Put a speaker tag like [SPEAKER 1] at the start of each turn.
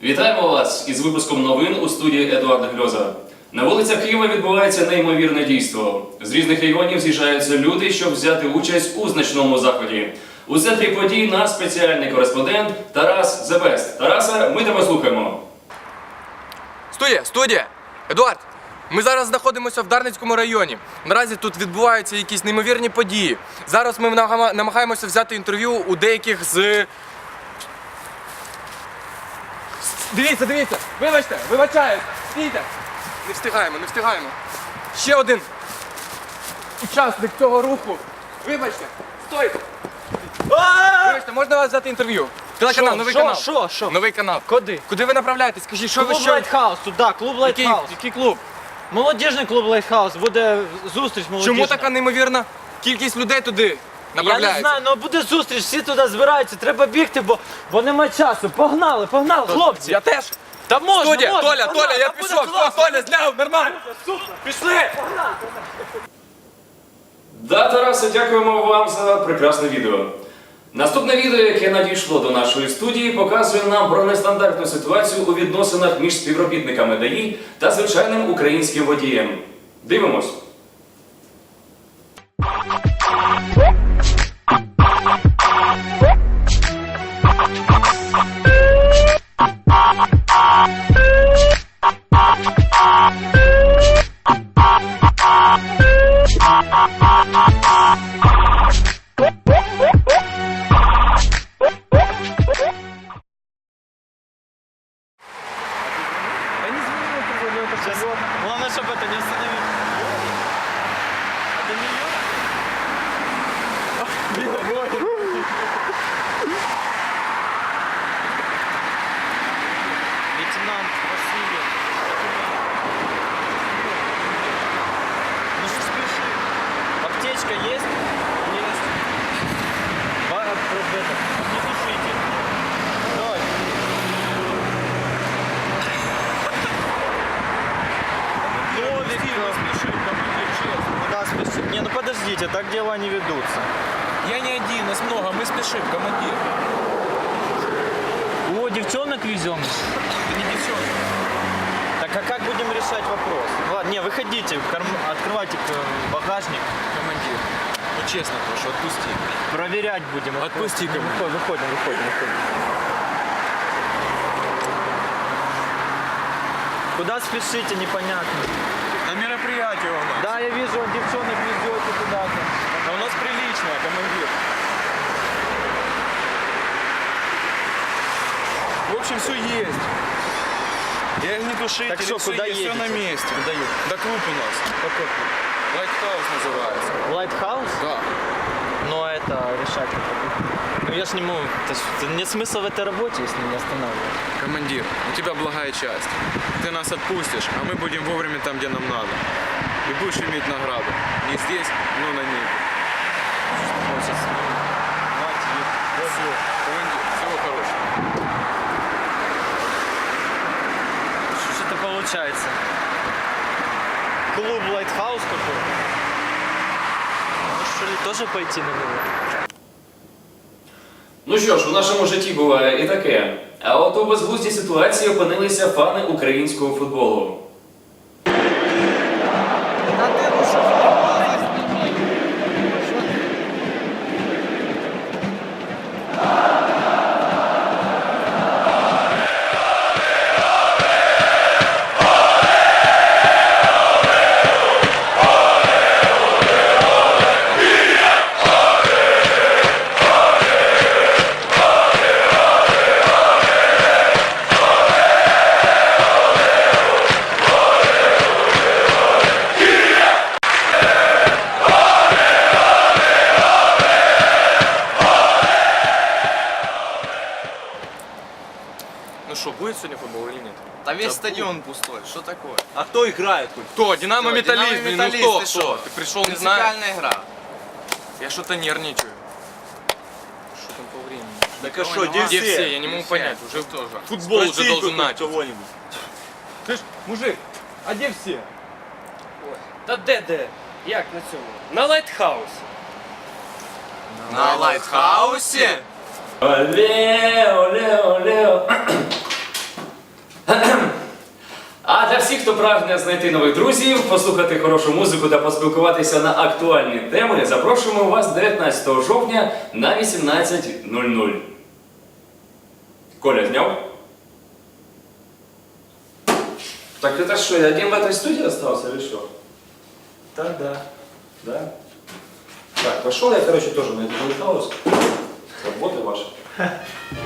[SPEAKER 1] Вітаємо вас із випуском новин у студії Едуарда Гльоза. На вулицях Києва відбувається неймовірне дійство. З різних регіонів з'їжджаються люди, щоб взяти участь у значному заході. У центрі подій наш спеціальний кореспондент Тарас Зебест. Тараса, ми тебе слухаємо.
[SPEAKER 2] Студія! Едуард, ми зараз знаходимося в Дарницькому районі. Наразі тут відбуваються якісь неймовірні події. Зараз ми намагаємося взяти інтерв'ю у деяких з... Дивіться! Вибачаюсь! Стійте! Не встигаємо. Ще один учасник цього руху. Вибачте! Стойте! Вибачте, можна вас взяти інтерв'ю? Телеканал, новий канал.
[SPEAKER 3] Що?
[SPEAKER 2] Новий канал.
[SPEAKER 3] Куди?
[SPEAKER 2] Куди ви направляєтесь? Скажіть, що ви
[SPEAKER 3] Клуб
[SPEAKER 2] що?
[SPEAKER 3] Лайтхаус, туди, клуб Лайтхаус.
[SPEAKER 2] Який клуб?
[SPEAKER 3] Молодіжний клуб Лайтхаус, буде зустріч молодіжна.
[SPEAKER 2] Чому така неймовірна кількість людей туди
[SPEAKER 3] Я
[SPEAKER 2] направляється?
[SPEAKER 3] не знаю, але буде зустріч, всі туди збираються, треба бігти, бо нема часу. Погнали, хлопці.
[SPEAKER 2] Я теж.
[SPEAKER 3] Та можна,
[SPEAKER 2] Студія,
[SPEAKER 3] можна,
[SPEAKER 2] Толя,
[SPEAKER 3] погнали,
[SPEAKER 2] я
[SPEAKER 3] та буде
[SPEAKER 2] пішов.
[SPEAKER 3] класно.
[SPEAKER 2] Толя, зняв, нормально. Пішли.
[SPEAKER 1] Да, Тарасе, дякуємо вам за прекрасне відео. Наступне відео, яке надійшло до нашої студії, показує нам про нестандартну ситуацію у відносинах між співробітниками ДАІ та звичайним українським водієм. Дивимось.
[SPEAKER 3] Главное, чтобы это не остановило. Это не Лейтенант Васильев. Ну что спеши? Аптечка есть? Есть. Не душите. Давай. Куда спешить? Не, ну подождите, так дела не ведутся.
[SPEAKER 4] Я не один, нас много, мы спешим, командир.
[SPEAKER 3] О, девчонок везем.
[SPEAKER 4] Ты не девчонка.
[SPEAKER 3] Так а как будем решать вопрос? Ладно, не, выходите, открывайте багажник.
[SPEAKER 4] Командир, ну честно прошу, отпусти.
[SPEAKER 3] Проверять будем.
[SPEAKER 4] Отпусти, командир.
[SPEAKER 3] Выходим. Куда спешите, непонятно.
[SPEAKER 4] На мероприятие у нас.
[SPEAKER 3] Да, я вижу, девчонок везете куда-то.
[SPEAKER 4] А у нас приличное, командир. В общем, все есть. Я не душитель,
[SPEAKER 3] Так что,
[SPEAKER 4] все
[SPEAKER 3] куда
[SPEAKER 4] есть,
[SPEAKER 3] едете?
[SPEAKER 4] все на месте.
[SPEAKER 3] Куда едете?
[SPEAKER 4] Да клуб у нас.
[SPEAKER 3] Какой?
[SPEAKER 4] Лайтхаус называется.
[SPEAKER 3] Лайтхаус?
[SPEAKER 4] Да.
[SPEAKER 3] Но это решать не буду. Ну я ж не могу. Нет смысла в этой работе, если не останавливать.
[SPEAKER 4] Командир, у тебя благая часть. Ты нас отпустишь, а мы будем вовремя там, где нам надо. И будешь иметь награду. Не здесь, но на ней. Командир, всего хорошего.
[SPEAKER 3] Что ж это получается? Клуб Лайтхаус какой-то? Может, что ли, тоже пойти на него?
[SPEAKER 1] Ну що ж, у нашому житті буває і таке. А от у безглуздій ситуації опинилися фани українського футболу.
[SPEAKER 2] Ну что, будет сегодня футбол или нет?
[SPEAKER 5] Да весь стадион пустой, что такое?
[SPEAKER 4] А кто играет хоть?
[SPEAKER 2] Кто? Динамо Металлист,
[SPEAKER 5] Динамо
[SPEAKER 2] блин,
[SPEAKER 5] Металлист,
[SPEAKER 2] ну
[SPEAKER 5] ты
[SPEAKER 2] кто?
[SPEAKER 5] шо?
[SPEAKER 2] Ты пришел, не знаю.
[SPEAKER 5] Принципиальная игра.
[SPEAKER 2] Я что-то нервничаю. Что там по времени?
[SPEAKER 4] Так а что, где
[SPEAKER 2] Где
[SPEAKER 4] все?
[SPEAKER 2] все? Я не могу понять. Уже
[SPEAKER 5] тоже.
[SPEAKER 2] футбол уже
[SPEAKER 4] Спроси
[SPEAKER 2] должен
[SPEAKER 4] хоть
[SPEAKER 2] начаться.
[SPEAKER 4] кого-нибудь.
[SPEAKER 2] Слышь, мужик, а где все?
[SPEAKER 6] Та де? Як на цьому? На Лайтхаус.
[SPEAKER 5] На Лайтхаусе?
[SPEAKER 1] Оле, оле, оле. А для всіх, хто прагне знайти нових друзів, послухати хорошу музику та поспілкуватися на актуальні теми, запрошуємо вас 19 жовтня на 18:00. Коля зняв? Так это что, я один в этой студии остался или что?
[SPEAKER 6] Да.
[SPEAKER 1] Да? Так, пошел я, короче, тоже на этот хаус. Работы ваши.